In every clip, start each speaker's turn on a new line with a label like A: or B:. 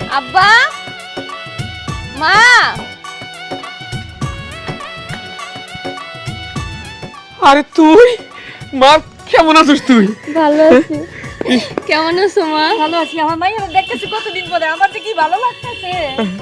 A: আব্বা মা
B: আরে তুই মা কেমন আছিস তুই?
A: ভালো আছি। কেমন আছো মা?
C: ভালো আছি। আমার মাইয়া দেখতেছি কতদিন পরে, আমার যে কি ভালো লাগতেছে।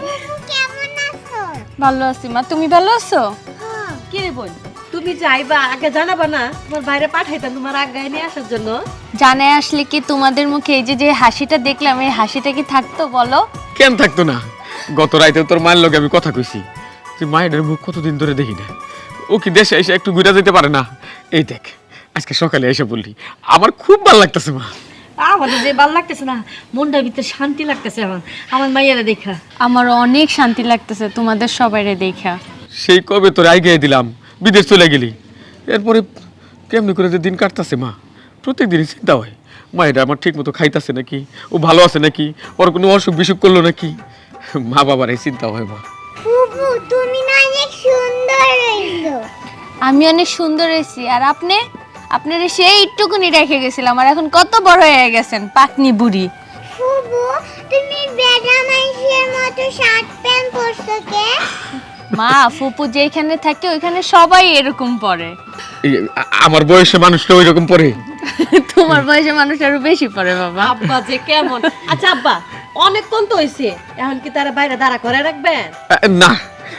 D: কেমন আছো?
A: ভালো আছি মা, তুমি ভালো আছো?
C: কি রে বোন, তুমি যাইবা আগে জানাবা না? তোমার বাইরে পাঠাইতাম তোমার আগায় নিয়ে আসার জন্য।
A: জানে আসলে কি তোমাদের মুখে এই যে হাসিটা দেখলাম, এই হাসিটা কি থাকতো বলো?
B: কেন থাকতো না? গত রাইতে তোর মায়ের লগে আমি কথা কইছি যে মায়ের মুখ কতদিন ধরে দেখি না, ও কি দেশে এসে একটু ঘুরে যেতে পারে না? এই দেখ আজকে সকালে এসে বললি, আমার খুব ভালো লাগতেছে মা।
C: আমাদের যে ভালো লাগতেছে না, মনটার ভিতরে শান্তি লাগতেছে আমার মাইয়ারা দেখা।
A: আমার অনেক শান্তি লাগতেছে তোমাদের সবাইরে দেখা।
B: সেই কবে তোর আগে দিলাম, বিদেশ চলে গেলি, এরপরে কেমনি করে যে দিন কাটতেছে মা, প্রত্যেক দিনই চিন্তা হয় মা এটা আমার ঠিক মতো খাইতেছে নাকি, ও ভালো আছে নাকি, ওর কোনো অসুখ বিসুখ করলো নাকি, মা বাবার এই চিন্তা হয় মা।
D: ফুফু তুমি না অনেক সুন্দর হইছো।
A: আমি অনেক সুন্দর হয়েছি, আর আপনি? আপনার সেই একটুকুনি রেখে গেছিলাম, আর এখন কত বড় হয়ে গেছেন, পাকনি বুড়ি।
D: ফুফু তুমি বেড়া মাইশের মতো শার্ট প্যান্ট পরছো কে?
A: মা ফুপু যেখানে থাকে ওইখানে সবাই এরকম পরে।
B: এই আমার বয়সে মানুষটা ওই রকম পরে।
A: তোমার বয়সে মানুষ আরো বেশি পরে বাবা।
C: আব্বা যে কেমন। আচ্ছা আব্বা, অনেকক্ষণ তো হইছে, এখন কি তারা বাইরে দাঁড়া করে রাখবেন?
B: না,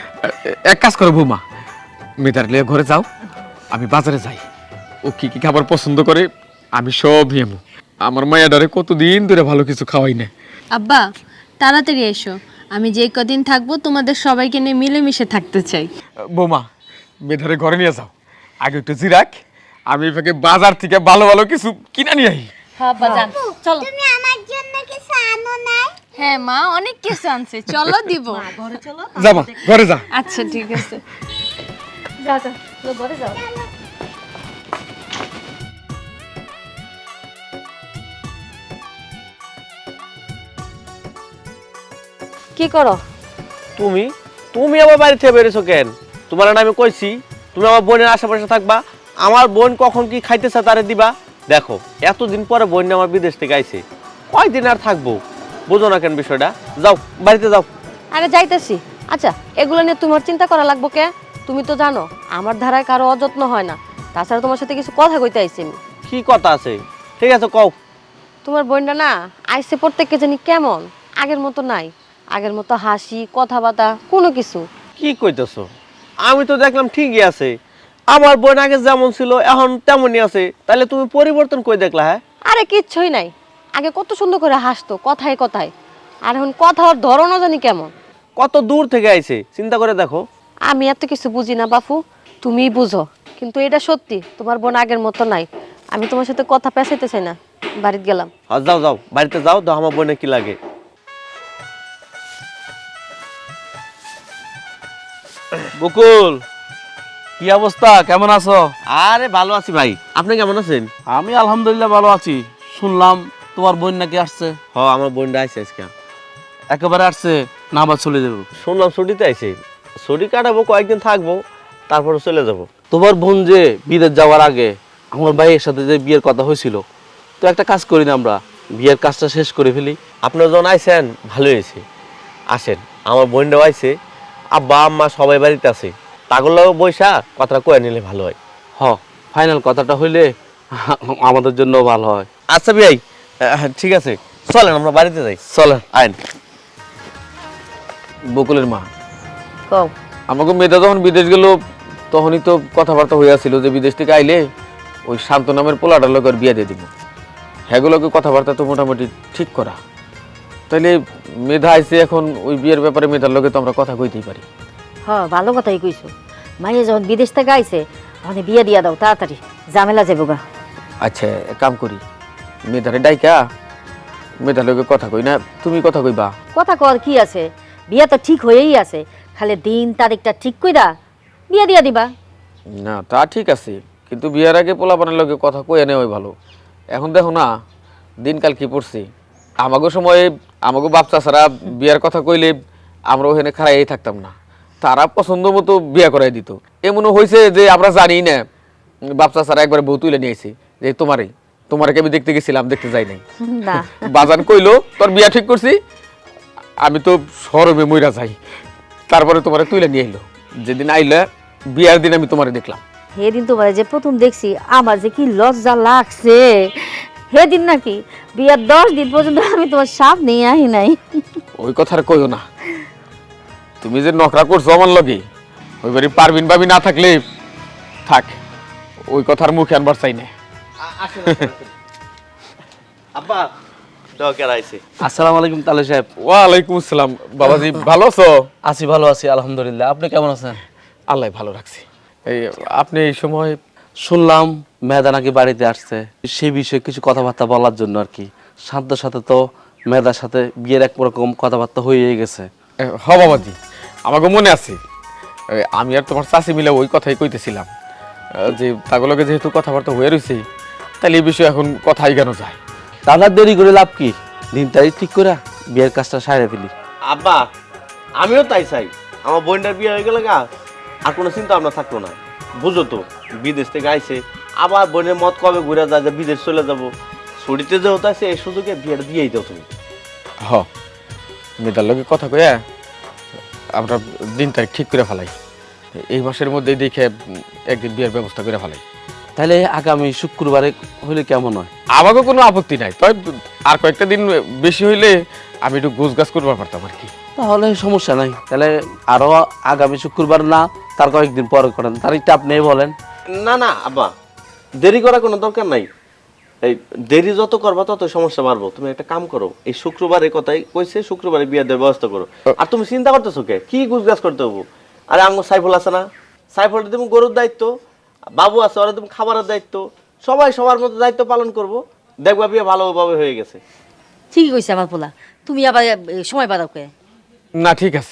B: এক কাজ করো বৌমা, মেয়েটার লিয়ে ঘরে যাও, আমি বাজারে যাই, ও কি কি খাবার পছন্দ করে আমি সব নিয়ম। আমার মায়াডারে কতদিন ধরে ভালো কিছু খাওয়াই না।
A: আব্বা তাড়াতাড়ি এসো, আমি যে কদিন থাকবো তোমাদের সবাইকে নিয়ে মিলেমিশে থাকতে চাই।
B: বৌমা মেধারে ঘরে নিয়ে যাও, আগে একটু জিরাক, আমি এটাকে বাজার থেকে ভালো ভালো কিছু কিনা নিয়ে আই।
C: হ্যাঁ আব্বা যান, চলো।
D: তুমি আমার জন্য কিছু আনো নাই?
A: হ্যাঁ মা অনেক কিছু আনছে, চলো দিব।
C: ঘরে চলো।
B: যাবা ঘরে যা।
A: আচ্ছা ঠিক আছে।
C: যাও যাও, চলো ঘরে যাও। কি করো?
E: তুমি তুমি আমার বাড়ি থেকে বেরিয়েছো কেন? তোমার না আমি কইছি তুমি আমার বোনের আশেপাশে থাকবা, আমার বোন কখন কি খাইতেছে তারে দিবা। দেখো এতদিন পরে বোন আমার বিদেশ থেকে আইছে, কয়দিন আর থাকবো, বুঝো না কেন বিষয়টা? যাও বাড়িতে যাও।
C: আরে যাইতেছি। আচ্ছা এগুলো নিয়ে তোমার চিন্তা করা লাগবো কে? তুমি তো জানো আমার ধারায় কারো অযত্ন হয় না। তাছাড়া তোমার সাথে কিছু কথা কইতে আইছি আমি।
E: কি কথা আছে? ঠিক আছে কও।
C: তোমার বোনটা না আইসে প্রত্যেককে জানি কেমন, আগের মতো নাই। আগের মতো হাসি কথাবার্তা কোনো কিছু।
E: কি কইতেছো? আমি তো দেখলাম ঠিকই আছে, আমার বোন আগে যেমন ছিল এখন তেমনই আছে, তাহলে তুমি পরিবর্তন কই দেখলা? হ্যাঁ
C: আরে কিচ্ছুই নাই। আগে কত সুন্দর করে হাসতো কথায় কথায়, আর এখন কথার ধরনও জানি কেমন।
E: কত দূর থেকে আইছে চিন্তা করে দেখো।
C: আমি এত কিছু বুঝি না বাপু, তুমিই বুঝো। কিন্তু এটা সত্যি, তোমার বোন আগের মতো নাই। আমি তোমার সাথে কথা পেঁচাইতে চাই না, বাড়িতে গেলাম।
E: যাও যাও বাড়িতে যাও, তো আমার বোনে কি লাগে। বকুল,
F: কি অবস্থা, কেমন আছো?
E: আরে ভালো আছি ভাই, আপনি কেমন আছেন?
F: আমি আলহামদুলিল্লাহ ভালো আছি। শুনলাম তোমার বোন নাকি আসছে।
E: আমার বোনটা আইছে আজকে।
F: একেবারে আসছে না আবার চলে যাবো?
E: শুনলাম ছুটিতে আইছে, ছুটি কাটাবো, কয়েকদিন থাকবো, তারপরে চলে যাব।
F: তোমার বোন যে বিদেশ যাওয়ার আগে আমার ভাইয়ের সাথে যে বিয়ের কথা হয়েছিল, তো একটা কাজ করি না আমরা, বিয়ের কাজটা শেষ করে ফেলি।
E: আপনারা যখন আইছেন ভালো হয়েছে, আসেন। আমার বোনটাও আইছে, আব্বা আম্মা সবাই বাড়িতে আছে, তাগুলো বৈশা কথাটা কয়ে নিলে ভালো হয়।
F: ফাইনাল কথাটা হইলে আমাদের জন্য ভালো হয়।
E: আচ্ছা ভাই, ঠিক আছে, চলেন আমরা বাড়িতে যাই।
F: চলেন।
E: আইন।
B: বকুলের মা,
C: কও।
B: আমাকে মেয়েটা যখন বিদেশ গেল তখনই তো কথাবার্তা হইয়াছিল যে বিদেশ থেকে আইলে ওই শান্ত নামের পোলাটার লোকের বিয়ে দিয়ে দিব। হ্যাগুলোকে কথাবার্তা তো মোটামুটি ঠিক করা, তাইলে মেধা আইছে, এখন ওই বিয়ের ব্যাপারে মেধার লোকে তো আমরা কথা কইতেই পারি।
G: হ্যাঁ ভালো কথাই কইছো। মাইয়া যখন বিদেশ থেকে আইছে মানে বিয়ে দিয়া দাও তাড়াতাড়ি, ঝামেলা যাবো গা।
B: আচ্ছা এক কাম করি, মেধারে ডাইকা মেধার লোকে কথা কই না, তুমি কথা কইবা।
G: কথা কর কি আছে, বিয়ে তো ঠিক হয়েই আছে, খালি দিন তারিখটা ঠিক কইরা বিয়ে দিয়া দিবা।
B: না তা ঠিক আছে, কিন্তু বিয়ের আগে পোলাপানের লোকে কথা কইয়া নেওয়াই ভালো। এখন দেখো না দিনকাল কি পড়ছি, আমাগো সময়ে আমাগো বাপ চাচারা বিয়ার কথা কইলে আমরা ওখানে খাড়াই থাকতাম না, তারা পছন্দ মতো বিয়া করাই দিত। এমনও হয়েছে যে আমরা জানি না বাপ চাচারা একবার বউ তুলে নিয়েছি যে তোমারে আমি দেখতে গেছিলাম, দেখতে যাই নাই।
G: না
B: বাজান কইলো তোর বিয়া ঠিক করছি, আমি তো শরমে মইরা যাই, তারপরে তোমারে তুইলে নিয়ে আইলো। যেদিন আইলে বিয়ার দিন আমি তোমারে দেখলাম।
G: সেদিন তোমার যে প্রথম দেখছি আমার যে কি লজ্জা লাগছে, সেদিন নাকি বিয়ার 10 দিন পর্যন্ত আমি তোমার সামনে আহি নাই।
B: ওই কথা আর কইও না, তুমি যে নকরা করছো আমার লগে, ওই বাড়ি পারবিন ভাবি না থাকলে থাক, ওই কথার মুখে আনবার চাই না।
E: আব্বা ডকের আইছে।
F: আসসালামু আলাইকুম তালে সাহেব।
B: ওয়ালাইকুম আসসালাম। বাবাজি ভালো আছো?
F: আছি, ভালো আছি আলহামদুলিল্লাহ। আপনি কেমন আছেন?
B: আল্লাহ ভালো রাখছি। এই আপনি এই সময়
F: শুনলাম মেধা নাকি বাড়িতে আসছে, সেই বিষয়ে কিছু কথাবার্তা বলার জন্য আর কি। শান্তর সাথে তো মেধার সাথে বিয়ের এক রকম কথাবার্তা হয়ে গেছে।
B: হ বাবাজি, আমাকে মনে আছে। আমি আর তোমার চাষি মিলে ওই কথাই কইতেছিলাম যে তাগুলোকে যেহেতু কথাবার্তা হয়ে রয়েছে, তাহলে এই বিষয়ে এখন কথাই কেন যায়।
F: দাদা দেরি করে লাভ কি, দিন তারিখ ঠিক করে বিয়ের কাজটা সারে ফেলি।
E: আব্বা আমিও তাই চাই, আমার বোনটার বিয়ে হয়ে গেলে গা আর কোনো চিন্তা ভাবনা থাকলো না। বুঝো তো বিদেশ থেকে আইছে, আবার বোনের মত কবে ঘুরে যায় যে বিদেশ চলে যাবো, ছুটিতে যেহেতু আছে এই সুযোগে বিয়েটা দিয়েই দাও তুমি।
B: হ, মেয়েটার লগে কথা কয়ে আমরা দিন তারিখ ঠিক করে ফেলাই, এই মাসের মধ্যেই দেখে একদিন বিয়ের ব্যবস্থা করে ফেলাই।
F: তাহলে আগামী শুক্রবারে হলে কেমন হয়?
B: আমাকে কোনো আপত্তি নাই, তবে আর কয়েকটা দিন বেশি হইলে আমি একটু গোছ গাছ করবার পারতাম আর কি।
F: তাহলে সমস্যা নাই, তাহলে আরো আগামী শুক্রবার না তার কয়েকদিন পরে করেন, তারিখটা আপনি বলেন।
E: না না আব্বা, দেরি করার কোনো দরকার নাই। এই দেরি যত করবা তত সমস্যা বাড়বো। তুমি একটা কাম করো, এই শুক্রবারের কথাই কইছে, শুক্রবারে বিয়ে দেওয়ার ব্যবস্থা করো। আর তুমি চিন্তা করতেছো কে, কি গুজগাছ করতে হবো? আরে আমার সাইফুল আছে না, সাইফুলটা তুমি গরুর দায়িত্ব, বাবু আছে ওরা তুমি খাবারের দায়িত্ব, সবাই সবার মতো দায়িত্ব পালন করবো, দেখবা বিয়ে ভালোভাবে হয়ে গেছে।
G: ঠিকই কইছে আমার পোলা, তুমি আবার সময় বাদাও কে?
B: না ঠিক আছে,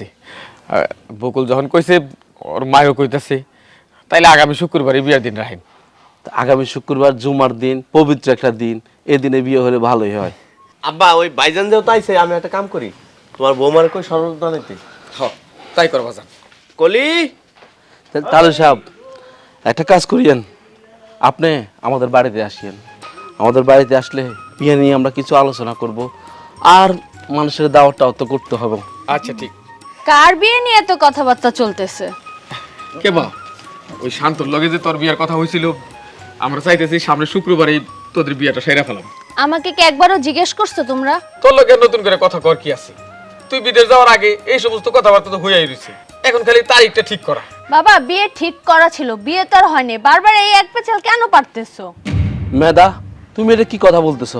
B: বকুল যখন কইছে ওর মায়ও কইতেছে, তাইলে আগামী শুক্রবারই বিয়ের দিন রাখেন।
F: তো আগামী শুক্রবার জুমার দিন, পবিত্র একটা দিন, এই দিনে বিয়ে হলে ভালোই হয়।
E: আব্বা ওই ভাইজান যেহেতু আইছে, আমি একটা কাম করি, তোমার বৌমার কই সরলতা নিতে।
B: তাই করবা যান।
E: কলি
F: তাহলে সাহেব একটা কাজ করিয়েন, আপনি আমাদের বাড়িতে আসিয়েন। আমাদের বাড়িতে আসলে বিয়ে নিয়ে আমরা কিছু আলোচনা করব, আর মানুষের দাওয়াতটাও তো করতে হবে।
B: আচ্ছা ঠিক।
A: কার বিয়ে নিয়ে এত কথাবার্তা চলতেছে?
B: কে বা ওই শান্তর লগে যে তোর বিয়ের কথা হয়েছিল, আমরা চাইতেছি সামনে শুক্রবারই তোদের বিয়েটা সেরা ফেলাম।
A: আমাকে কি একবারও জিজ্ঞেস করছো তোমরা?
B: তোর লগে নতুন করে কথা কর কি আছে? তুই বিদেশ যাওয়ার আগে এই সমস্ত কথাবার্তা তো হইয়াই রয়েছে, এখন খালি তারিখটা ঠিক করা।
A: বাবা বিয়ে ঠিক করা ছিল, বিয়ে তো আর হয়নি, বারবার এই এক পেছাল কেন পারতেছো?
F: মেধা, তুমি এটা কি কথা বলতেছো?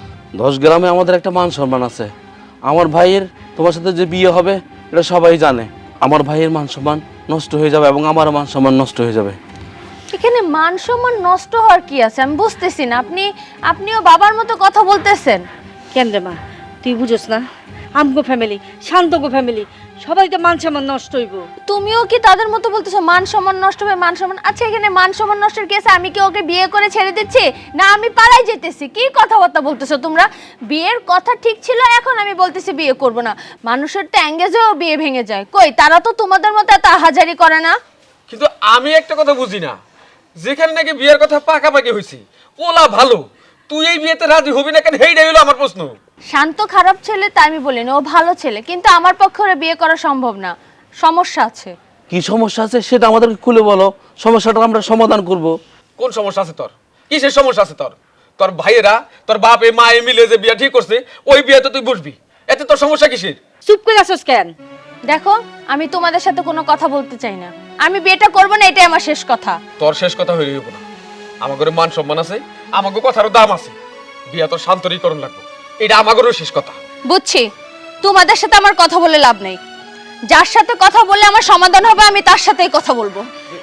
F: 10 গ্রামে আমাদের একটা মান সম্মান আছে। আমার ভাইয়ের তোমার সাথে যে বিয়ে হবে এটা সবাই জানে। আমার ভাইয়ের মান সম্মান নষ্ট হয়ে যাবে এবং আমার মান সম্মান নষ্ট হয়ে যাবে।
A: এখানে মান সম্মান নষ্ট হওয়ার কি আছে আমি বুঝতেছি না। আপনিও বাবার মতো কথা বলতেছেন
G: কেন রে মা, তুই বুঝোস না? আমগো ফ্যামিলি, শান্তগো ফ্যামিলি, সবাই তো মান সম্মান নষ্ট হইব।
A: তুমিও কি তাদের মতো বলতেছো মান সম্মান নষ্ট হবে? মান সম্মান, আচ্ছা এখানে মান সম্মান নষ্টের কেসে আমি কি ওকে বিয়ে করে ছেড়ে দিচ্ছি, না আমি পালাই যেতেছি? কি কথাবার্তা বলতেছো তোমরা? বিয়ের কথা ঠিক ছিল, এখন আমি বলতেছি বিয়ে করব না। মানুষের তো এঙ্গেজেও বিয়ে ভেঙে যায়, কই তারা তো তোমাদের মতো এত হাজারি করে না।
B: কিন্তু আমি একটা কথা বুঝি না, যেখানে নাকি বিয়ের কথা পাকাপাকি হয়েছে, ওলা ভালো, তুই এই বিয়েতে রাজি হবি না কেন? সেইটাই হলো আমার প্রশ্ন।
A: শান্ত খারাপ ছেলে তা আমি বলিনি, ও ভালো ছেলে, কিন্তু আমার পক্ষে ওরা বিয়ে করা সম্ভব না, সমস্যা আছে।
F: কি সমস্যা আছে সেটা আমাদেরকে খুলে বলো, সমস্যাটা আমরা সমাধান করব।
B: কোন সমস্যা আছে তোর? কিসের সমস্যা আছে তোর? তোর ভাইয়েরা, তোর বাপ এ মা মিলে যে বিয়ে ঠিক করছে, ওই বিয়েতে তুই বসবি, এতে তোর সমস্যা কিসের?
G: চুপ করে আছোস কেন?
A: দেখো আমি তোমাদের সাথে কোনো কথা বলতে চাই না, আমি বিয়েটা করব না, এটাই আমার শেষ কথা।
B: তোর শেষ কথা হয়ে যাবো না, আমাদের মান সম্মান আছে, আমাকে কথারও দাম আছে, বিয়া তোর শান্তরীকরণ লাগবে, এটা আমাদেরও শেষ কথা।
A: বুঝছি, তোমাদের সাথে আমার কথা বলে লাভ নেই, যার সাথে কথা বললে আমার সমাধান হবে আমি তার সাথেই কথা বলবো।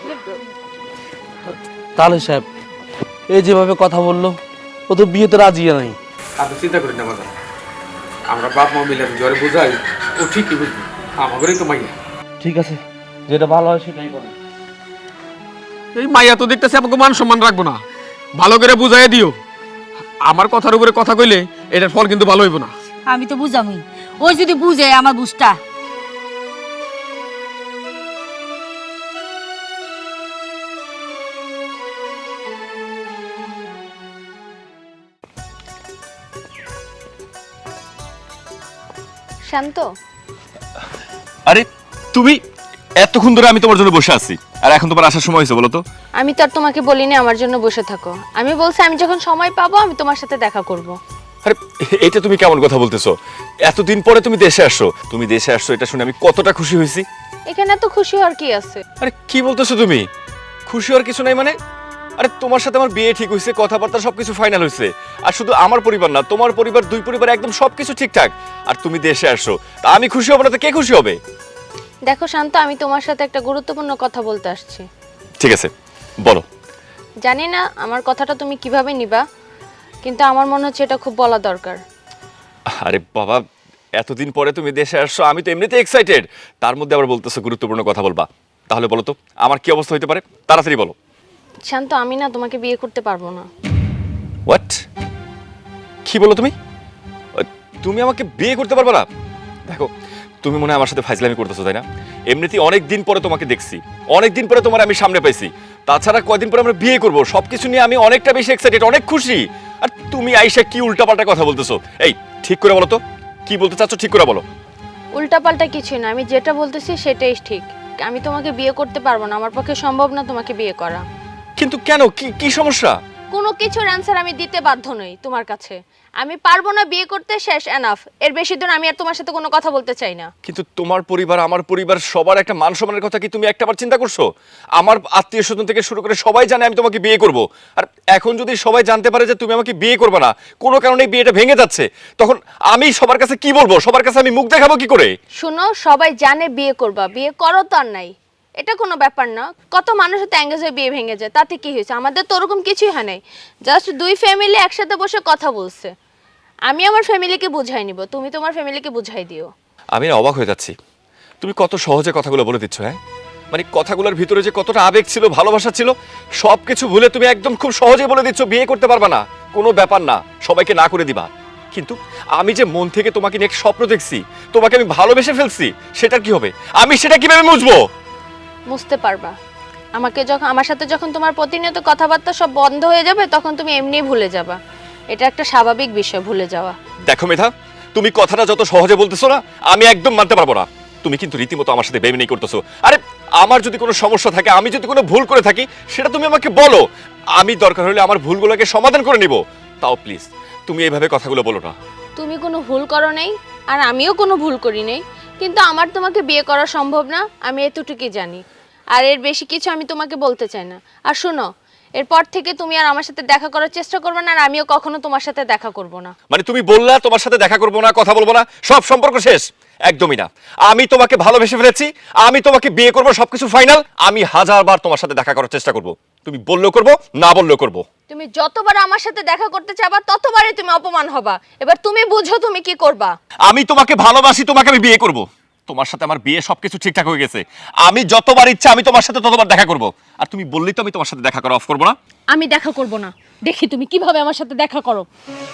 F: তাহলে সাহেব এই যেভাবে কথা বললো, ও তো বিয়েতে রাজি নাই।
B: আপনি চিন্তা করেন না বাজার, আমরা বাপ মা মিলে জ্বরে বুঝাই, ও ঠিকই বুঝবি, আমাদেরই তো মাইয়া।
F: ঠিক আছে, যেটা ভালো হয় সেটাই করেন।
B: এই মাইয়া তো দেখতেছে আমাকে মান সম্মান রাখবো না, ভালো করে বুঝাই দিও। আমার কথার উপরে কথা কইলে এটার ফল কিন্তু ভালো হইব না।
G: আমি তো বুঝামই, ওই যদি বুঝে আমার বুঝটা।
A: শান্ত,
H: আরে তুমি, এতক্ষণ ধরে আমি তোমার জন্য বসে আছি, আর এখন তোমার আসার সময় হয়েছে, বলো তো?
A: আমি তো আর তোমাকে বলিনি আমার জন্য বসে থাকো, আমি বলছি আমি যখন সময় পাবো আমি তোমার সাথে দেখা করব।
H: আরে এটা তুমি কেমন কথা বলতেছো? এতদিন পরে তুমি দেশে আসছো, তুমি দেশে আসছো এটা শুনে আমি কতটা খুশি হয়েছি।
A: এখানে তো খুশি হওয়ার কি আছে?
H: আরে কি বলতেছো তুমি? খুশি হওয়ার কিছু নাই মানে? আরে তোমার সাথে আমার বিয়ে ঠিক হয়েছে, কথাবার্তা সবকিছু ফাইনাল হয়েছে, আর শুধু আমার পরিবার না, তোমার পরিবার, দুই পরিবার একদম সবকিছু ঠিকঠাক, আর তুমি দেশে আসছো, তা আমি খুশি হব না তো কে খুশি হবে?
A: দেখো শান্ত, আমি তোমার সাথে একটা গুরুত্বপূর্ণ কথা বলতে আসছি।
H: ঠিক আছে, বলো।
A: জানি না আমার কথাটা তুমি কিভাবে নিবা, কিন্তু আমার মনে হচ্ছে এটা খুব বলা দরকার।
H: আরে বাবা, এতদিন পরে তুমি দেশে আসছো, আমি তো এমনিতে এক্সাইটেড, তার মধ্যে আবার বলতেছো গুরুত্বপূর্ণ কথা বলবা। তাহলে বলো তো আমার কি অবস্থা হতে পারে, তাড়াতাড়ি বলো।
A: শান্ত, আমি না তোমাকে বিয়ে করতে পারবো না।
H: হোয়াট? কি বলো তুমি? তুমি আমাকে বিয়ে করতে পারবে না? দেখো, তুমি মনে হয় আমার সাথে ফাইজলামি করতেছো, তাই না? এমনিতেই অনেক দিন পরে তোমাকে দেখছি, অনেক দিন পরে তোমার আমি সামনে পাইছি, তাছাড়া কয়দিন পরে আমরা বিয়ে করব, সবকিছু নিয়ে আমি অনেকটা বেশি এক্সাইটেড, অনেক খুশি। আর তুমি আইসা কি উল্টাপাল্টা কথা বলতেছো? এই ঠিক করে বলো তো, কি বলতে চাচ্ছ ঠিক করে বলো।
A: উল্টাপাল্টা কিছুই না, আমি যেটা বলতেছি সেটাই ঠিক। আমি তোমাকে বিয়ে করতে পারবো না, আমার পক্ষে সম্ভব না তোমাকে বিয়ে করা।
H: কিন্তু কেন, কি কি সমস্যা?
A: কোনো কিছুর অ্যানসার আমি দিতে বাধ্য নই তোমার কাছে। আমি পারবো না বিয়ে করতে, শেষ, এনাফ। এর বেশি দিন আমি আর তোমার সাথে কোনো কথা বলতে চাই না।
H: কিন্তু তোমার পরিবার, আমার পরিবার, সবার একটা মান সম্মানের কথা কি তুমি একটাবার চিন্তা করছো? আমার আত্মীয় স্বজন থেকে শুরু করে সবাই জানে আমি তোমাকে বিয়ে করব, আর এখন যদি সবাই জানতে পারে যে তুমি আমাকে বিয়ে করবে না, কোনো কারণে বিয়েটা ভেঙে যাচ্ছে, তখন আমি সবার কাছে কি বলবো? সবার কাছে আমি মুখ দেখাবো কি করে?
A: শুনো, সবাই জানে বিয়ে করবা, বিয়ে করো তো আর নাই, এটা কোনো ব্যাপার না। কত মানুষের তো এঙ্গেজ হয়ে বিয়ে ভেঙে যায়, তাতে কি হয়েছে? আমাদের তো ওরকম কিছুই হয় নাই, জাস্ট দুই ফ্যামিলি একসাথে বসে কথা বলছে। আমি আমার ফ্যামিলিকে বুঝাই নিব, তুমি তোমার ফ্যামিলিকে বুঝাই দিও।
H: আমি না অবাক হয়ে যাচ্ছি, তুমি কত সহজে কথাগুলো বলে দিচ্ছ। হ্যাঁ, মানে কথাগুলোর ভিতরে যে কতটা আবেগ ছিল, ভালোবাসা ছিল, সবকিছু ভুলে তুমি একদম খুব সহজে বলে দিচ্ছ বিয়ে করতে পারবা না, কোনো ব্যাপার না, সবাইকে না করে দিবা। কিন্তু আমি যে মন থেকে তোমাকে নিয়ে একটা স্বপ্ন দেখছি, তোমাকে আমি ভালোবেসে ফেলছি, সেটা কি হবে? আমি সেটা কিভাবে মুছবো?
A: বুঝতে পারবা, আমার সাথে যখন তোমার প্রতিনিয়ত কথাবার্তা সব বন্ধ হয়ে যাবে, তখন তুমি এমনিই ভুলে যাবা। এটা একটা স্বাভাবিক বিষয়, ভুলে যাওয়া।
H: দেখো মেধা, তুমি কথাটা যত সহজে বলতেছো না, আমি একদম মানতে পারবো না। তুমি কিন্তু রীতিমতো আমার সাথে বেইমানি করতেছো। আরে আমার যদি কোনো সমস্যা থাকে, আমি যদি কোনো ভুল করে থাকি, সেটা তুমি আমাকে বলো, আমি দরকার হলে আমার ভুলগুলোকে সমাধান করে নিব। তাও প্লিজ তুমি এইভাবে কথাগুলো বলো না।
A: তুমি কোনো ভুল করো নেই, আর আমিও কোনো ভুল করি নেই, কিন্তু আমার তোমাকে বিয়ে করা সম্ভব না, আমি এতটুকুই জানি। আর এর বেশি কিছু আমি তোমাকে বলতে চাই না। আর শোনো, এরপর থেকে তুমি আর আমার সাথে দেখা করার চেষ্টা করবে না, আর আমিও কখনো তোমার সাথে দেখা করব না।
H: মানে তুমি বললা তোমার সাথে দেখা করবো না, কথা বলবো না, সব সম্পর্ক শেষ? একদমই না, আমি তোমাকে ভালোবেসে ফেলেছি, আমি তোমাকে বিয়ে করবো, সবকিছু ফাইনাল। আমি হাজারবার তোমার সাথে দেখা করার চেষ্টা করব, তুমি বললেও করবো, না বললেও করবো।
A: তুমি যতবার আমার সাথে দেখা করতে চাইবা, ততবারই তুমি অপমান হবা। এবার তুমি বুঝো তুমি কি করবা।
H: আমি তোমাকে ভালোবাসি, তোমাকে আমি বিয়ে করব, তোমার সাথে আমার বিয়ে সবকিছু ঠিকঠাক হয়ে গেছে, আমি যতবার ইচ্ছা আমি তোমার সাথে ততবার দেখা করব। আর তুমি বললেই তো আমি তোমার সাথে দেখা করা অফ করবো না।
A: আমি দেখা করব না, দেখি তুমি কিভাবে আমার সাথে দেখা করো।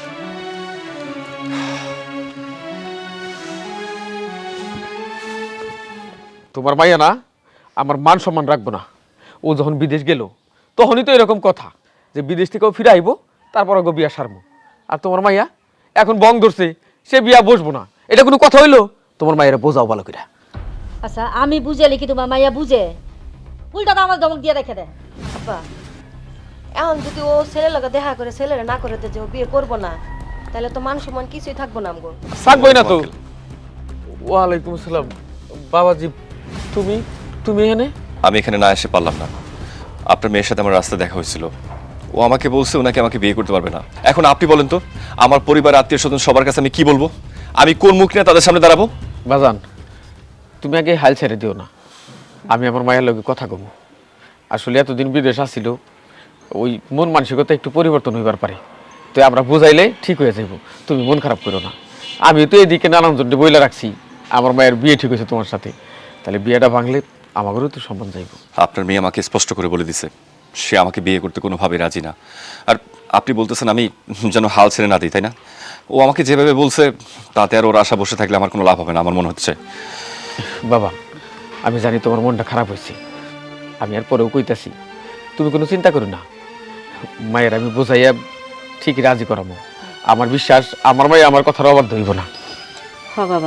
B: তোমার মাইয়া না আমার মান সম্মান রাখবো না। ও যখন বিদেশ গেল তখনই তো এরকম কথা যে বিদেশ থেকেও ফিরে আইবো, তারপর ওকে বিয়া সারবো। আর তোমার মাইয়া এখন বং ধরছে, সে বিয়া বসবো না, এটা কোনো কথা হইলো? তোমার মায়েরা বোঝাও ভালো করে।
G: আচ্ছা আমি বুঝাইলে কি তোমার মাইয়া বুঝে? উল্টা তো আমার ধমক দিয়ে রেখে দেয়।
C: আপা, এখন যদি ও ছেলের লগে দেখা করে ছেলেরা না করে যে ও বিয়ে করবো না, তাহলে তো মান সম্মান কিছুই থাকবো না আমগো।
B: থাকবোই না তো। ওয়ালাইকুম আসসালাম। বাবাজি, তুমি তুমি এখানে?
H: আমি এখানে না এসে পারলাম না, আপনার মেয়ের সাথে আমার রাস্তায় দেখা হয়েছিল, ও আমাকে বলছে ওনাকে আমাকে বিয়ে করতে পারবে না। এখন আপনি বলেন তো, আমার পরিবার, আত্মীয় স্বজন সবার কাছে আমি কি বলবো? আমি কোন মুখ নিয়ে তাদের সামনে দাঁড়াবো?
B: বাজান, তুমি আগে হাল ছেড়ে দিও না, আমি আমার মায়ের লগে কথা কব। আসলে এতদিন বিদেশ আসছিল, ওই মন মানসিকতা একটু পরিবর্তন হইবার পারে, তো আমরা বুঝাইলে ঠিক হয়ে যাইব। তুমি মন খারাপ করো না। আমি তো এদিকে নানান জনকে বইলা রাখছি আমার মায়ের বিয়ে ঠিক হয়েছে তোমার সাথে, তাহলে বিয়েটা ভাঙলে আমাদেরও তো সম্মান যাইব।
H: আপনার মেয়ে আমাকে স্পষ্ট করে বলে দিছে সে আমাকে বিয়ে করতে কোনোভাবে রাজি না। আর আপনি বলতেছেন আমি যেন হাল ছেড়ে না দিই, তাই না? ও আমাকে যেভাবে বলছে তাতে আর ওর আশা বসে থাকলে আমার কোনো লাভ হবে না আমার মনে হচ্ছে।
B: বাবা, আমি জানি তোমার মনটা খারাপ হয়েছে, আমি আর পরেও কইতাছি, তুমি কোনো চিন্তা করো না। মায়ের আমি বোঝাইয়া ঠিকই রাজি করাবো। আমার বিশ্বাস আমার মায়ে আমার কথার অবাধ্য হইব না।
C: হ বাবা,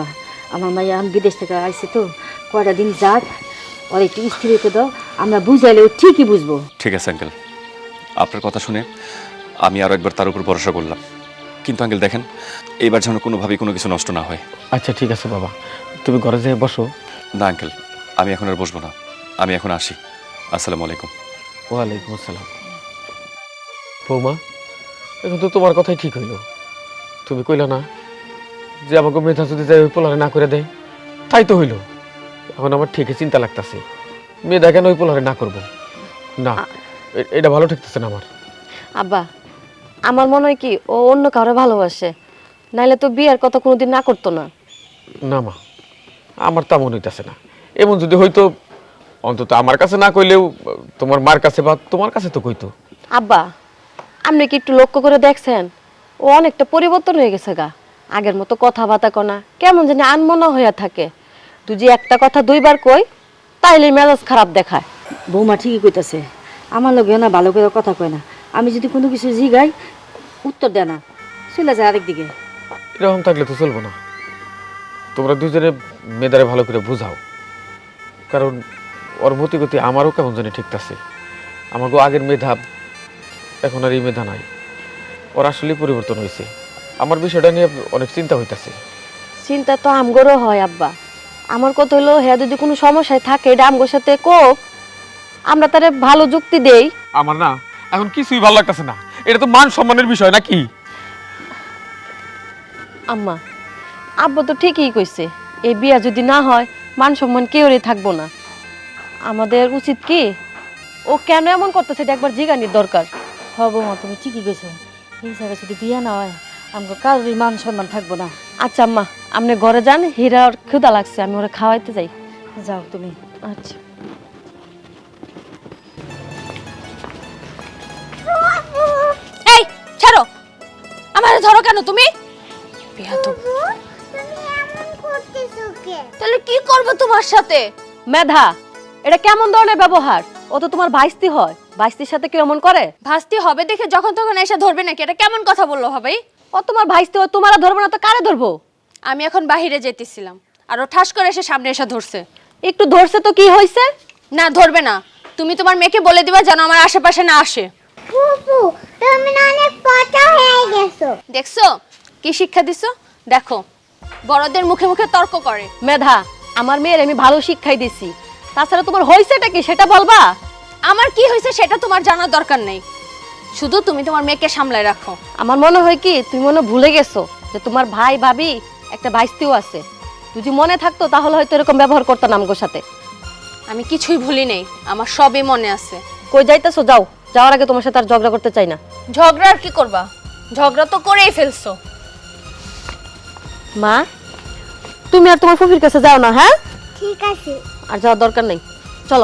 G: আমার মাইয়া আমি বিদেশ থেকে আইছে তো কয়টা দিন যাক, ওর একটু স্থির হতে দাও, আমরা বুঝাইলে ও ঠিকই বুঝবো।
H: ঠিক আছে আঙ্কেল, আপনার কথা শুনে আমি আরও একবার তার উপর ভরসা করলাম। কিন্তু আঙ্কেল দেখেন, এইবার যেন কোনোভাবেই কোনো কিছু নষ্ট না হয়।
B: আচ্ছা ঠিক আছে বাবা, তুমি ঘরে যেয়ে বসো।
H: না আঙ্কেল, আমি এখন আর বসবো না, আমি এখন আসি। আসসালামু আলাইকুম।
B: ওয়ালাইকুম আসসালাম। বৌমা, এখন তো তোমার কথাই ঠিক হইল। তুমি কইলা না যে আমাকে মেধা যদি যাই ওই পোলারে না করে দেয়, তাই তো হইল। এখন আমার ঠিকই চিন্তা লাগতেছে, মেধা কেন ওই পোলারে না করব? না, এটা ভালো ঠেকতেছে না আমার।
C: আব্বা, আমার মনে হয় কি ও অন্য কাউরে ভালোবাসে, নাইলে তো বিয়ের কথা কোনোদিন না করতো না।
B: না মা, আমার তা মনে হইতেছে না। এমন যদি হইতো অন্তত আমার কাছে না কইলেও তোমার মার কাছে বা তোমার কাছে তো কইতো।
C: আব্বা, আপনি কি একটু লক্ষ্য করে দেখছেন ও অনেকটা পরিবর্তন হয়ে গেছে গা। আগের মতো কথাবার্তা কনা কেমন জানি আনমনা হইয়া থাকে। তুই যে একটা কথা দুইবার কই তাইলে মেজাজ খারাপ দেখায়।
G: বৌমা ঠিকই কইতাছে, আমার লগে না ভালো করে কথা কয় না। আমি যদি কোনো কিছু জিগাই উত্তর দেয় না, চলে যায় আরেকদিকে।
B: এরকম থাকলে তো চলবো না। তোমরা দুজনে মেয়েদারে ভালো করে বুঝাও, কারণ ওর মতি গতি আমারও কেমন জানি ঠিকতাছে। আমাকে আগের মেধা এখন আর এই মেধা নাই, ওর আসলে পরিবর্তন হয়েছে। আমার বিষয়টা নিয়ে অনেক চিন্তা হইতাছে।
C: চিন্তা তো আমগরও হয় আব্বা। আমার কথা হলো হ্যাঁ যদি কোনো সমস্যায় থাকে এটা আমগোর সাথে কোক, আমরা তারে ভালো যুক্তি দেই।
B: আমার না এখন কিছুই ভালো লাগতেছে না। এটা তো মান সম্মানের বিষয় নাকি?
C: আম্মা, আব্বা তো ঠিকই কইছে, এই বিয়া যদি না হয় মান সম্মান কেউরই থাকবো না। আমাদের উচিত কি ও কেন এমন করতেছে এটা একবার জিজ্ঞানির দরকার।
G: হ বৌমা, তুমি ঠিকই গেছো। এই জায়গায় যদি বিয়া না হয় আমাকে কারোরই মান সম্মান থাকবো না।
C: আচ্ছা আম্মা, আপনি ঘরে যান, হীরার ক্ষুধা লাগছে, আমি ওরা খাওয়াইতে যাই।
G: যাও তুমি।
C: আচ্ছা।
A: এই ছাড়ো, আমারে ধরো কেন তুমি? বেয়াদব।
D: তুমি এমন করতেছো কে?
A: তাহলে কি করব তোমার সাথে?
C: মেধা, এটা কেমন ধরনের ব্যবহার? ও তো তোমার ভাইস্তি হয়, ভাইস্তির সাথে কেউ এমন করে?
A: ভাস্তি হবে দেখে যখন তখন এসে ধরবে নাকি? এটা কেমন কথা বললো ভাই?
C: ও তোমার ভাইস্তি হয়, তোমার ধরবো না তো কারে ধরবো?
A: আমি এখন বাহিরে যেতেছিলাম আর ও ঠাস করে এসে সামনে এসে ধরছে।
C: একটু ধরছে তো কি হয়েছে?
A: না ধরবে না, তুমি তোমার মেয়েকে বলে দিবা যেন আমার আশেপাশে না আসে।
D: ফুপু, তুমি না অনেক পচা হয়ে গেছো।
A: দেখছো কি শিক্ষা দিছো? দেখো, বড়দের মুখে মুখে তর্ক করে।
C: মেধা, আমার মেয়ের আমি ভালো শিক্ষাই দিছি, তাছাড়া তোমার হয়েছেটা কি সেটা বলবা?
A: আমার কি হয়েছে সেটা তোমার জানার দরকার নেই, শুধু তুমি তোমার মেয়েকে সামলায় রাখো।
C: আমার মনে হয় কি তুমি মনে ভুলে গেছো যে তোমার ভাই ভাবি একটা ভাইস্তিও আছে। যদি মনে থাকতো তাহলে হয়তো এরকম ব্যবহার করতো না আমগোর সাথে।
A: আমি কিছুই ভুলি নেই, আমার সবই মনে আছে।
C: কই যাইতেছো? যাও, যাওয়ার আগে তোমার সাথে আর ঝগড়া করতে চাই না।
A: ঝগড়া আর কি করবা? ঝগড়া তো করেই ফেলছো।
C: মা, তুমি আর তোমার ফুফির কাছে যাও না, হ্যাঁ?
D: ঠিক আছে।
C: আর যাওয়ার দরকার নেই, চলো।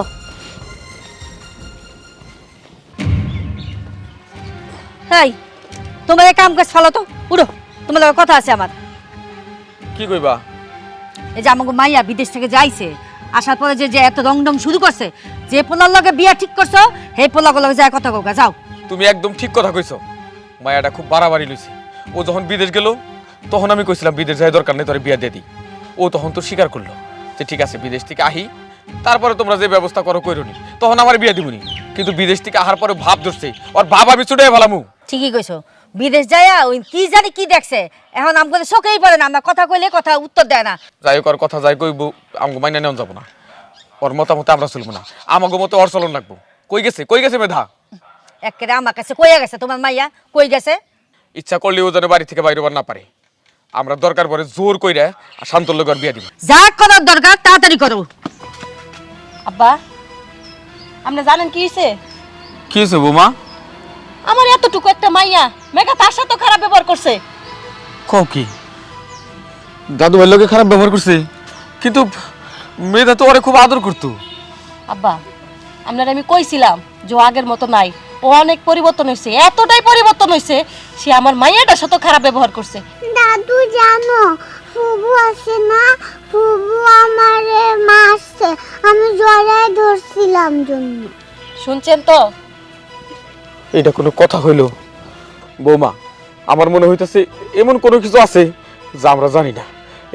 G: এই তোমার এক কাম কাজ ফলো তো, উড়ো, তোমার লগে কথা আছে আমার।
B: কি কইবা?
G: এই যে আমাকে মাইয়া বিদেশ থেকে যাইছে, আসার পরে যে যে এত রংডং শুরু করছে, যে পোলার লগে বিয়া ঠিক করছো সেই পোলার লগে যায় কথা কওগা, যাও।
B: তুমি একদম ঠিক কথা কইছো। মায়াটা খুব বাড়াবাড়ি লইছে। ও যখন বিদেশ গেল তখন আমি কইছিলাম বিদেশ যাই দরকার নেই, তোরে বিয়া দিয়ে দিই। ও তখন তো স্বীকার করলো যে ঠিক আছে বিদেশ থেকে আহি, তারপরে তোমরা যে ব্যবস্থা করো কইরনি, তখন আমার বিয়া দিবনি। কিন্তু বিদেশ থেকে আহার পরে ভাব ধরছে, ওর ভাব আমি ছুটে ফেলামু।
G: ঠিকই কইছো, বিদেশ যাইয়া ওই কি জানি কি দেখছে, এখন আমাকে চোখেই পড়ে না, আমরা কথা কইলে কথা উত্তর দেয় না।
B: যাই হোক, ওর কথা যাই কইব, আমাকে মাইনা নেওয়া যাবো না। ওর মতামতে আমরা চলবো না, আমাকে মতো ওর চলন লাগবো। কই গেছে মেধা?
G: একেবারে আমার কাছে কইয়া গেছে তোমার মাইয়া, কই গেছে?
B: ইচ্ছা করলে ও যেন বাড়ি থেকে বাইরে না পারে। আমরা দরকার পরে জোর কইরা আর শান্তর লগে ওর বিয়া দিব।
G: যা করার দরকার তাড়াতাড়ি করো।
C: আব্বা, আপনি জানেন কি হয়েছে?
B: কি হয়েছে বৌমা?
C: আমার এতটুকু একটা মাইয়া মেঘা তার সাথে খারাপ ব্যবহার করছে।
B: কও কি? দাদু ভাইয়ের লগে খারাপ ব্যবহার করছে? কিন্তু মেয়েটা তো ওরে খুব আদর করতো।
C: আব্বা, আপনার আমি কইছিলাম যে ও আগের মতো নাই, ও অনেক পরিবর্তন হয়েছে, এতটাই পরিবর্তন হয়েছে সে আমার মাইয়াটার সাথে খারাপ ব্যবহার করছে।
D: দাদু জানো, ফুবু আছে না, ফুবু আমারে মারছে, আমি জড়ায় ধরছিলাম জন্য।
C: শুনছেন তো?
B: এটা কোনো কথা হইল? বৌমা, আমার মনে হইতেছে এমন কোনো কিছু আছে যা আমরা জানি না।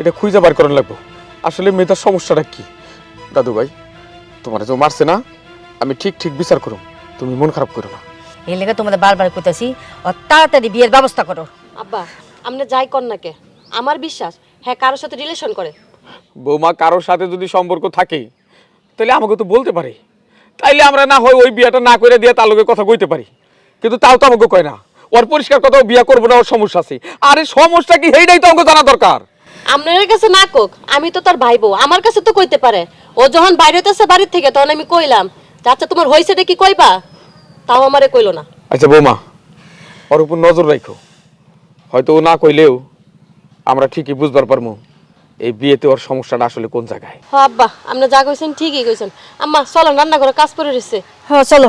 B: এটা খুঁজে বার করার লাগবো আসলে মেয়েটার সমস্যাটা কি। দাদু ভাই তোমার যে মারছে না, আমি ঠিক ঠিক বিচার করো, তুমি মন খারাপ করো না।
G: এই লেগে তোমাদের বারবার কইতাছি ও তাড়াতাড়ি বিয়ের ব্যবস্থা করো।
C: আব্বা আপনি যাই কর না কে, আমার বিশ্বাস হ্যাঁ কারোর সাথে রিলেশন করে।
B: বৌমা কারোর সাথে যদি সম্পর্ক থাকে তাহলে আমাকে তো বলতে পারে, তাইলে আমরা না হয় ওই বিয়েটা না করে দিয়ে তার লোকের কথা কইতে পারি, কিন্তু তাও তো আমাকে কয় না। ওর পরিষ্কার কথা বিয়ে করবো না, ওর সমস্যা আছে। আরে সমস্যা কি সেইটাই তো আমাকে জানা দরকার।
C: আপনার কাছে না কোক, আমি তো তার ভাইবো, আমার কাছে তো কইতে পারে। ও যখন বাইরে হইতেছে বাড়ির থেকে তখন আমি কইলাম আচ্ছা তোমার হইছেটা কি কইবা, তাও আমারে কইলো না।
B: আচ্ছা বৌমা ওর উপর নজর রাখো, হয়তো ও না কইলেও আমরা ঠিকই বুঝবার পারবো এই বিয়েতে ওর সমস্যাটা আসলে কোন জায়গায়।
C: হ্যাঁ আব্বা আপনি যা কইছেন ঠিকই কইছেন। আম্মা চলো রান্না করে কাজ করে রয়েছে।
G: হ্যাঁ চলো।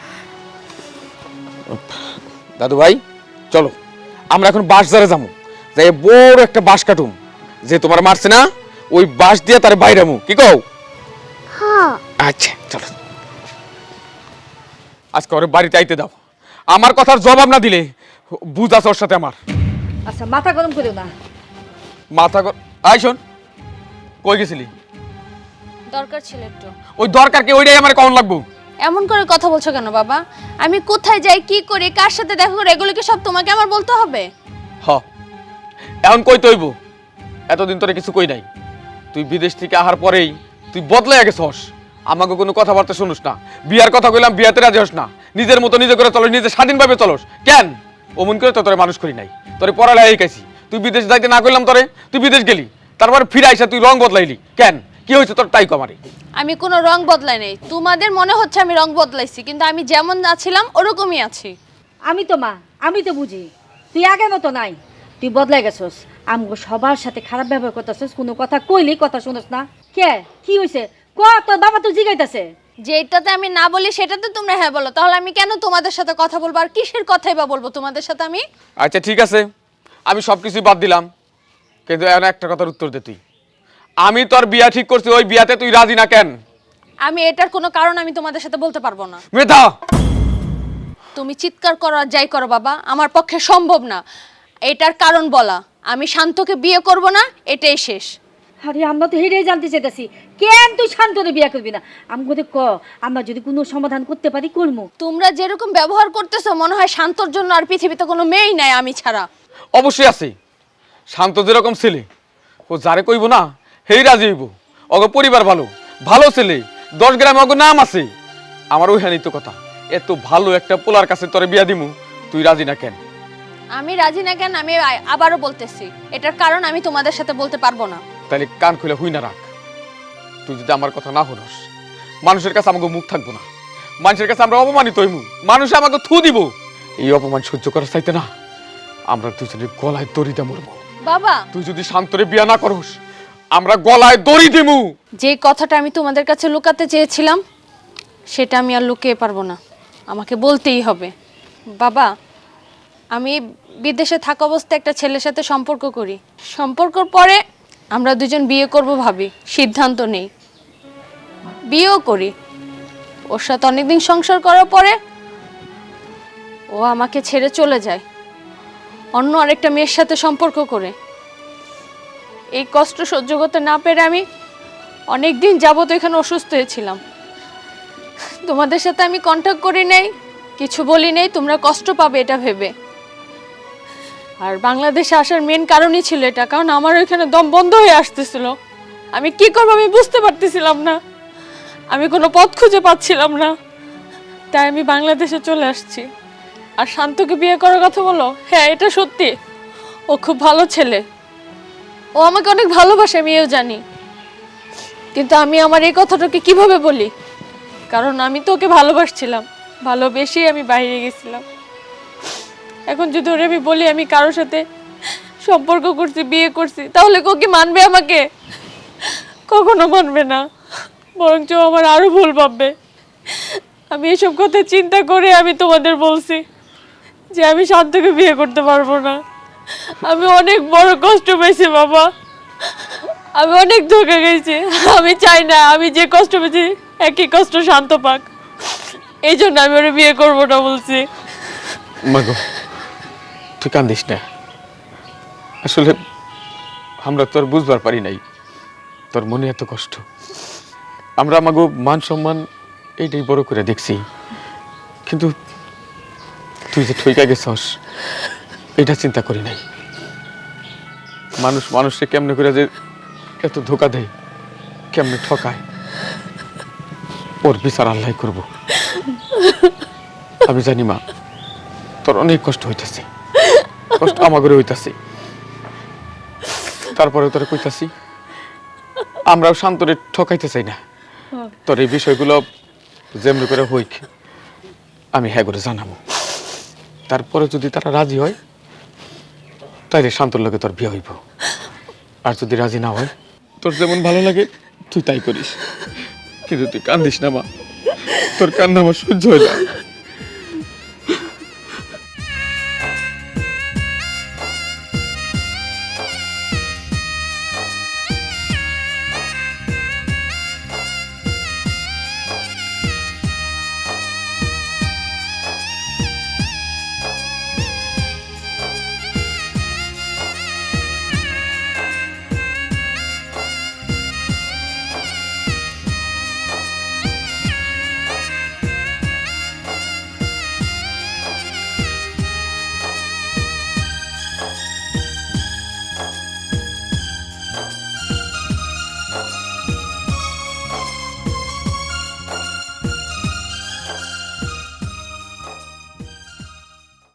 B: দাদু ভাই চলো আমরা এখন বাঁশ ধারে যাবো, যাই বড় একটা বাঁশ কাটুম, যে তোমার মারছে না ওই বাঁশ দিয়ে তার বাইরামু, কি কও?
D: হ্যাঁ
B: আচ্ছা চলো আজকে ওর বাড়িতে আইতে দাও, আমার কথার জবাব না দিলে বুঝ আছে ওর সাথে আমার।
G: আচ্ছা মাথা গরম করিও না।
B: মাথা আই শোন, কই গেছিলি?
A: দরকার ছিল একটু।
B: ওই দরকার কি ওইটাই আমার কেমন লাগবো?
A: এমন করে কথা বলছো কেন বাবা? আমি কোথায় যাই, কি করি, কার সাথে দেখা করি, এগুলো কি সব তোমাকে আমার বলতে হবে?
B: হ এখন কই তৈব, এতদিন তোরে কিছু কই নাই। তুই বিদেশ থেকে আসার পরেই তুই বদলাই গেছস, আমাকে কোনো কথাবার্তা শুনুস না। বিয়ার কথা কইলাম বিয়াতে রাজি হস না, নিজের মতো নিজে করে চলস, নিজে স্বাধীনভাবে চলস। কেন অমন করে তো তোরে মানুষ করি নাই, তোরে পড়ালেখা শিখাইছি। তুই বিদেশ যাইতে না করলাম তোরে, তুই বিদেশ গেলি, তারপরে ফিরে আইসা তুই রং বদলাইলি। কেন কি হয়েছে তোর তাই কমারি?
A: আমি কোনো রং বদলাই নাই, তোমাদের মনে হচ্ছে আমি রং বদলাইছি, কিন্তু আমি যেমন আছিলাম ওরকমই আছি।
G: আমি তো মা, আমি তো বুঝি তুই আগের মতো নাই, তুই বদলাই গেছস। আমগো সবার সাথে খারাপ ব্যবহার করতেছস, কোনো কথা কইলেই কথা শুনস না। কে কি হইছে ক, তোর বাবা তো জিগাইতাছে।
A: যেটাতে আমি না বলি সেটাতে তোমরা হ্যাঁ বলো, তাহলে আমি কেন তোমাদের সাথে কথা বলবো? আর কিসের কথাই বা বলবো তোমাদের সাথে আমি?
B: আচ্ছা ঠিক আছে, আমি সব কিছুই বাদ দিলাম, কিন্তু এখন একটা কথার উত্তর দে তুই। আমি তোর বিয়া ঠিক করছি, ওই বিয়াতে তুই রাজি না কেন?
A: আমি এটার কোনো কারণ আমি তোমাদের সাথে বলতে পারবো না।
B: মেধা
A: তুমি চিৎকার করো আর যাই করো বাবা, আমার পক্ষে সম্ভব না এটার কারণ বলা। আমি শান্তকে বিয়ে করব না, এটাই শেষ।
G: আরে আমরা তো হেরেই জানতে চাইতেছি, কেন তুই শান্তরে বিয়া করবি না? আমগো ক, আমরা যদি কোনো সমাধান করতে পারি করবো।
A: তোমরা যেরকম ব্যবহার করতেছো মনে হয় শান্তর জন্য আর পৃথিবীতে কোনো মেয়েই নাই আমি ছাড়া।
B: অবশ্যই আছে, শান্ত যেরকম ছেলে ও যারে কইব না হেই রাজি হইব। অগ পরিবার ভালো, ভালো ছেলে, 10 গ্রামে অগ নাম আছে। আমার ওইখানেই তো কথা, এত ভালো একটা পোলার কাছে তোরে বিয়া দিমু, তুই রাজি না কেন?
A: আমি রাজি না কেন আমি আবারও বলতেছি, এটার কারণ আমি তোমাদের সাথে বলতে পারবো না।
B: তাহলে কান খুলে হুই না রাখ। তুই যদি আমার কথা না শুনস, মানুষের কাছে আমাকে মুখ থাকবো না, মানুষের কাছে আমরা অপমানিত হইমু, মানুষ আমাকে থু দিব। এই অপমান সহ্য করার চাইতে না আমরা দুজনে গলায় দড়ি দিয়ে মরবো।
A: বাবা
B: তুই যদি শান্তরে বিয়া না করস, আমরা গলায় দড়ি দিমু।
A: যে কথাটা আমি তোমাদের কাছে লুকাতে চেয়েছিলাম সেটা আমি আর লুকিয়ে পারবো না, আমাকে বলতেই হবে। বাবা আমি বিদেশে থাকা অবস্থায় একটা ছেলের সাথে সম্পর্ক করি, সম্পর্কর পরে আমরা দুজন বিয়ে করব ভাবি, সিদ্ধান্ত নেই, বিয়েও করি। ওর সাথে অনেকদিন সংসার করার পরে ও আমাকে ছেড়ে চলে যায় অন্য আরেকটা মেয়ের সাথে সম্পর্ক করে। এই কষ্ট সহ্য করতে না পেরে আমি অনেক দিন যাবত এখানে অসুস্থ হয়েছিলাম। তোমাদের সাথে আমি কন্ট্যাক্ট করি নাই, কিছু বলি নাই, তোমরা কষ্ট পাবে এটা ভেবে। আর বাংলাদেশে আসার মেন কারণই ছিল এটা, কারণ আমার ওইখানে দম বন্ধ হয়ে আসতেছিল। আমি কি করবো আমি বুঝতে পারতেছিলাম না, আমি কোনো পথ খুঁজে পাচ্ছিলাম না, তাই আমি বাংলাদেশে চলে আসছি। আর শান্তকে বিয়ে করার কথা বলো, হ্যাঁ এটা সত্যি, ও খুব ভালো ছেলে, ও আমাকে অনেক ভালোবাসে আমিও জানি, কিন্তু আমি আমার এই কথাটাকে কিভাবে বলি? কারণ আমি তো ওকে ভালোবাসছিলাম, ভালোবেসেই আমি বাইরে গেছিলাম। এখন যদি ওরে আমি বলি আমি কারোর সাথে সম্পর্ক করছি, বিয়ে করছি, তাহলে কি মানবে আমাকে? কখনো মানবে না, বরঞ্চ আমার আরো ভুল ভাববে। আমি এসব কথা চিন্তা করে আমি তোমাদের বলছি যে আমি শান্তকে বিয়ে করতে পারবো না। আমি অনেক বড় কষ্ট পেয়েছি বাবা, আমি অনেক ধোঁকা গেছি। আমি চাই না আমি যে কষ্ট পেয়েছি একই কষ্ট শান্ত পাক, এই জন্য আমি ওরে বিয়ে করবো না বলছি।
B: মাগো তুই কান্দিস না, আসলে আমরা তোর বুঝবার পারি নাই তোর মনে এত কষ্ট। আমরা আমাকে মান সম্মান এইটাই বড় করে দেখছি, কিন্তু তুই যে ঠইকা গেছস এটা চিন্তা করি নাই। মানুষ মানুষকে কেমনে করে যে এত ধোকা দেয়, কেমনে ঠকায়, ওর বিচার আল্লাহ করব। আমি জানি মা, তোর অনেক কষ্ট হইতেছে, কষ্ট আমাগরে হইতাছে। তারপরে তোরে কইতাছি, আমরাও শান্তরে ঠকাইতে চাই না। তোর এই বিষয়গুলো যেমনি করে হইক আমি হ্যাঁ করে জানাবো। তারপরে যদি তারা রাজি হয় তাইলে শান্তর লগে তোর বিয়ে হইব। আর যদি রাজি না হয়, তোর যেমন ভালো লাগে তুই তাই করিস, কিন্তু তুই কান্দিস না মা, তোর কান্না আমার সহ্য হয় না।